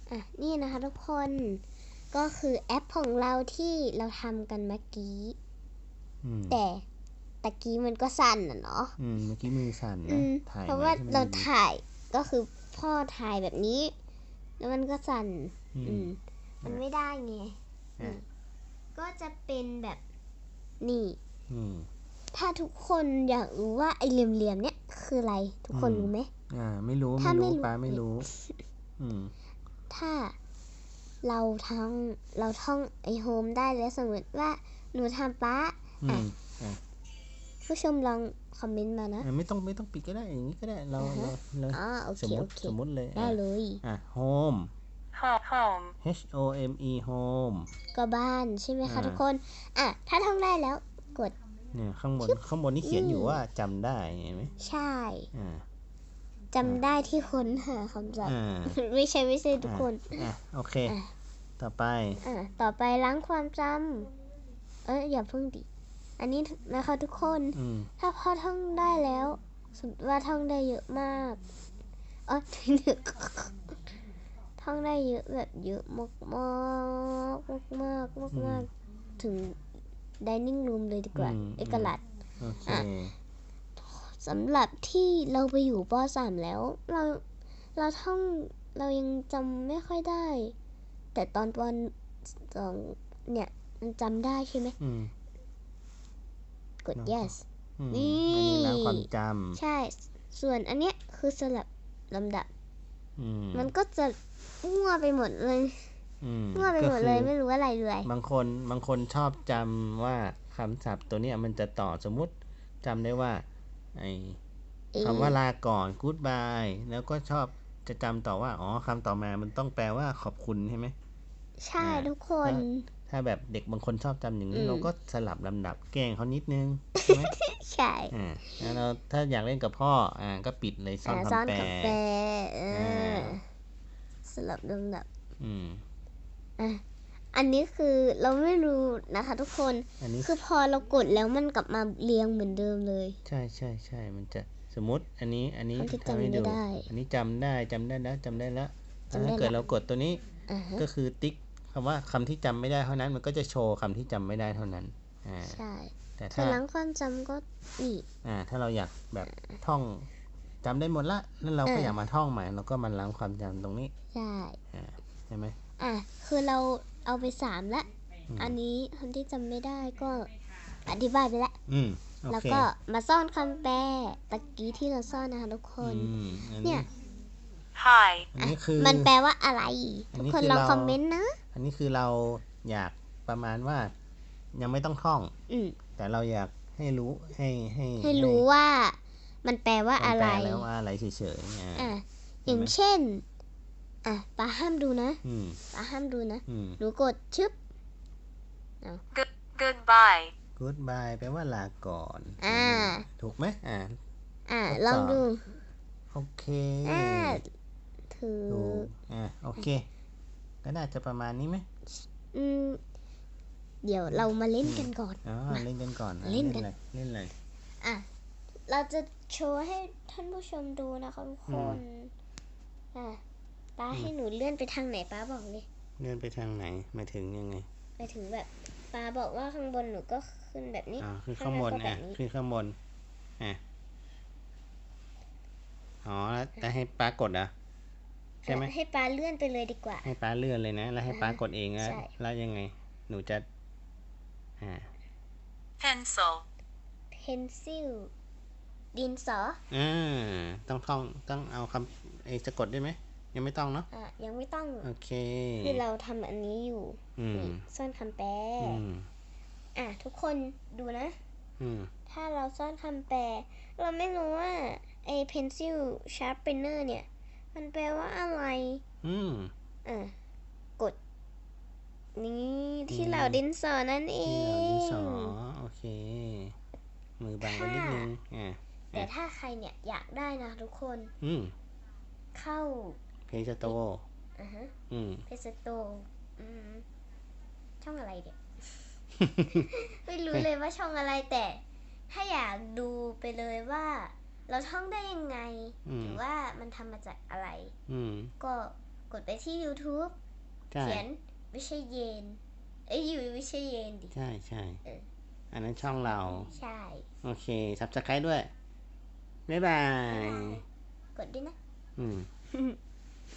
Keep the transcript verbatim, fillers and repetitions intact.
อ่ะนี่นะคะทุกคนก็คือแอปของเราที่เราทำกันเมื่อกี้แต่ตะกี้มันก็สั่นอ่ะเนาะอืมเมื่อกี้มือสั่นนะถ่ายเพราะว่าเราถ่ายก็คือพ่อถ่ายแบบนี้แล้วมันก็สั่นอืมมันไม่ได้ไงก็จะเป็นแบบนี่ถ้าทุกคนอยากรู้ว่าไอเหลี่ยมๆเนี้ยคืออะไรทุกคนรู้ไหมอ่าไม่รู้ไม่รู้ป้าไม่รู้อืมถ้าเราท่องเราท่องไอโฮมได้แล้วสมมติว่าหนูทำป้าอ่ะผู้ชมลองคอมเมนต์มานะไม่ต้องไม่ต้องปิดก็ได้อย่างนี้ก็ได้เราเราเราสมมติสมมติเลยได้เลยอ่ะ home home h o m e home ก็บ้านใช่ไหมคะทุกคนอ่ะถ้าท่องได้แล้วกดเนี่ยข้างบนข้างบนนี่เขียนอยู่ว่าจำได้เห็นไหมใช่จำได้ที่ค้นหาคำศัพท์ไม่ใช่ไม่ใช่ทุกคนอ่ะโอเคต่อไปอ่ะต่อไปล้างความจำเอ้ยอย่าเพิ่งดิอันนี้นะคะทุกคนถ้าพอท่องได้แล้วสมมติว่าท่องได้เยอะมากเออท่องได้เยอะแบบเยอะมากมากมากมากมากมากถึง dining room เลยดีกว่าเอกลัดอ่ะสำหรับที่เราไปอยู่ป.สาม แล้วเราเราท่องเรายังจำไม่ค่อยได้แต่ตอนป.สองเนี่ยมันจำได้ใช่ไหมกด yes นี่อันนี้ล้างความจำใช่ส่วนอันเนี้ยคือสลับลำดับมันก็จะมั่วไปหมดเลยมั่วไปหมดเลยไม่รู้อะไรเลยบางคนบางคนชอบจำว่าคำศัพท์ตัวนี้มันจะต่อสมมุติจำได้ว่าไอ้คำว่าลาก่อน goodbye แล้วก็ชอบจะจำต่อว่าอ๋อคำต่อมามันต้องแปลว่าขอบคุณใช่ไหมใช่ทุกคนถ้าแบบเด็กบางคนชอบจำอย่างนี้เราก็สลับลำดับแกล้งเขานิดนึงใช่ไหมใช่อ่าแล้วเราถ้าอยากเล่นกับพ่ออ่าก็ปิดเลยซ่อนคำแปลสลับลำดับอืมอ่ะอันนี้คือเราไม่รู้นะคะทุกคนคือพอเรากดแล้วมันกลับมาเรียงเหมือนเดิมเลยใช่ใช่ใช่มันจะสมมติอันนี้อันนี้ทำให้ดูอันนี้จำได้จำได้แล้วจำได้แล้วถ้าเกิดเรากดตัวนี้ก็คือติ๊กคำว่าคำที่จำไม่ได้เท่านั้นมันก็จะโชว์คำที่จำไม่ได้เท่านั้นอ่าใช่แต่ถ้าล้างความจำก็นี่อ่าถ้าเราอยากแบบท่องจำได้หมดละแล้วเราก็อยากมาท่องใหม่เราก็มาล้างความจำตรงนี้ใช่ใช่ไหมอ่ะคือเราเอาไปสามละอันนี้คำที่จำไม่ได้ก็อธิบายไปแล้วแล้วก็มาซ่อนคำแปลตะกี้ที่เราซ่อนนะคะทุกคนเนี่ย Hi อันนี้คือมันแปลว่าอะไรทุกคนลองคอมเมนต์นะอันนี้คือเราอยากประมาณว่ายังไม่ต้องท่องแต่เราอยากให้รู้ให้ให้ให้รู้ว่ามันแปลว่าอะไรแปลแล้วว่าอะไรเฉยๆอ่ะอย่างเช่นอ่ะป้าห้ามดูนะป้าห้ามดูนะหนูกดชึบ Goodbye Goodbye แปลว่าลาก่อนอ่าถูกไหมอ่าอ่าลองดูโอเคอ่าถืออ่าโอเคก็น่าจะประมาณนี้ไหมอืมเดี๋ยวเรามาเล่นกันก่อนอ๋อเล่นกันก่อนเล่นกันเล่นเลยอ่ะเราจะโชว์ให้ท่านผู้ชมดูนะคะทุกคนอ่ะป้าให้หนูเลื่อนไปทางไหนป้าบอกเลยเลื่อนไปทางไหนหมายถึงยังไงหมายถึงแบบป้าบอกว่าข้างบนหนูก็ขึ้นแบบนี้อ๋อคือข้างบนอ่ะคือข้างบนอ่ะอ๋อแล้วให้ป้ากดอ่ะใช่ไหมให้ป้าเลื่อนไปเลยดีกว่าให้ป้าเลื่อนเลยนะแล้วให้ป้ากดเองแล้วแล้วยังไงหนูจะอ่า pencil pencil ดินสออ่าต้องท่องต้องเอาคำไอ้สะกดได้ไหมยังไม่ต้องเนาะอ่ะยังไม่ต้องโอเคคือเราทำอันนี้อยู่ซ่อนคำแปลอ่ะทุกคนดูนะถ้าเราซ่อนคำแปลเราไม่รู้ว่าไอ้ pencil sharpener เนี่ยมันแปลว่าอะไรอืมอ่ะกดนี่ที่เหล่าดินสอนั่นเองที่เหล่าดินสอโอเคมือบังไปนิดนึงอ่ะแต่ถ้าใครเนี่ยอยากได้นะทุกคนเข้าเพจโตอ่าฮะเพจโตช่องอะไรเดี๋ยว ไม่รู้เลยว่าช่องอะไรแต่ถ้าอยากดูไปเลยว่าเราท่องได้ยังไงหรือว่ามันทำมาจากอะไรก็กดไปที่ YouTube ใช่เขียนวิเชยเยน เอ้ยอยู่วิเชยเยนดิใช่ใช่เอออันนั้นช่องเราใช่โอเค Subscribe ด้วย บ๊ายบายกดด้วยนะอืม